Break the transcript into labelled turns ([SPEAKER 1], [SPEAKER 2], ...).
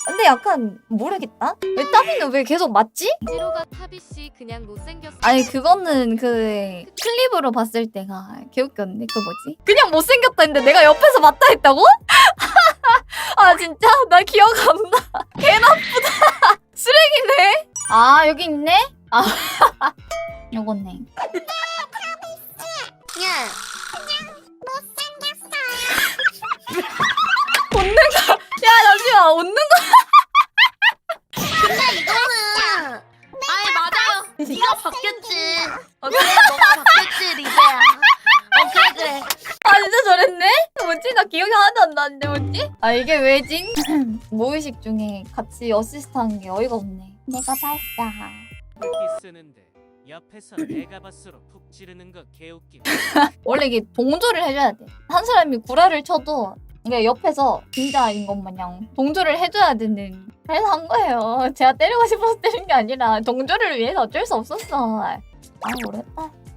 [SPEAKER 1] 근데 약간 모르겠다. 왜 따비는 왜 계속 맞지?
[SPEAKER 2] 지로가 타비씨 그냥 못생겼어.
[SPEAKER 1] 아니 그거는 그 클립으로 봤을 때가 개웃겼네. 그 뭐지? 그냥 못생겼다 했는데 내가 옆에서 맞다 했다고? 아 진짜? 나 기억 안 나. 개 나쁘다. 쓰레기네. 아 여기 있네? 아 요거네.
[SPEAKER 2] 야,
[SPEAKER 1] 웃는 거. 야 잠시만 웃는 거.
[SPEAKER 2] 근데 이거는 아니 맞아요. 네가 바뀌었지. 그래 너가 바뀌었지 리베야. 그래.
[SPEAKER 1] 아 진짜 저랬네? 뭐지? 나 기억이 하나도 안 나는데 뭐지? 아 이게 왜지? 모의식 중에 같이 어시스트한 게 어이가 없네. 내가 봤어.
[SPEAKER 3] 기 쓰는데 옆에서 내가 봤으로 푹 찌르는 거 개웃김.
[SPEAKER 1] 원래 이게 동조를 해줘야 돼. 한 사람이 구라를 쳐도 이게 옆에서 진짜인 것 마냥 동조를 해줘야 되는. 그래서 한 거예요. 제가 때리고 싶어서 때린 게 아니라 동조를 위해서 어쩔 수 없었어. 아 모르겠다.